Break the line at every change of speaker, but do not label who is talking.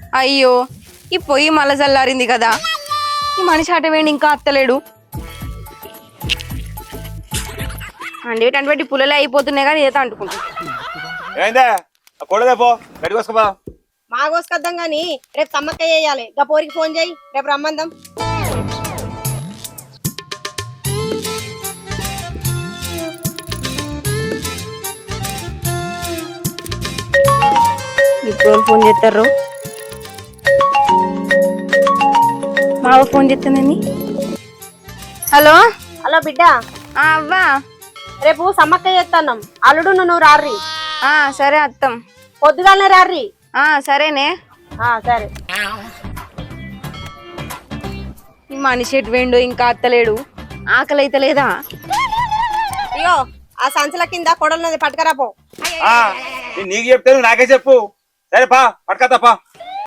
అయ్యో ఈ పొయ్యి మళ్ళా చల్లారింది కదా. ఈ మనిషి అట వేయండి ఇంకా అత్తలేడు. అండి పుల్లలే అయిపోతున్నాయి కానీ ఏదో అంటుకుంటా.
ఏందే కొడదే పో గడి కోసుకోపా.
మా కోసుకొద్దాం గాని రేపు సమ్మక్క చేయాలి. గా పోరికి ఫోన్ చేయి, రేపు రమ్మందాం.
ఇప్పుడు ఫోన్ చేస్తారు. మావ ఫోన్ చేస్తానండి. హలో
హలో బిడ్డ,
అవ్వా.
రేపు సమ్మక్క చేస్తాం. అల్లుడు నువ్వు రారి.
సరే అత్తం.
పొద్దుగాలనే రారి.
సరేనే.
సరే.
ఈ మనిషి ఎటు వేండు ఇంకా అత్తలేడు. ఆకలి అయితే లేదా?
అయ్యో ఆ సంచుల కింద కొడలున్నది పట్టుకరాపో.
నీకు చెప్తే నాకే చెప్పు. సరే పా పట్టుకత్తా పా.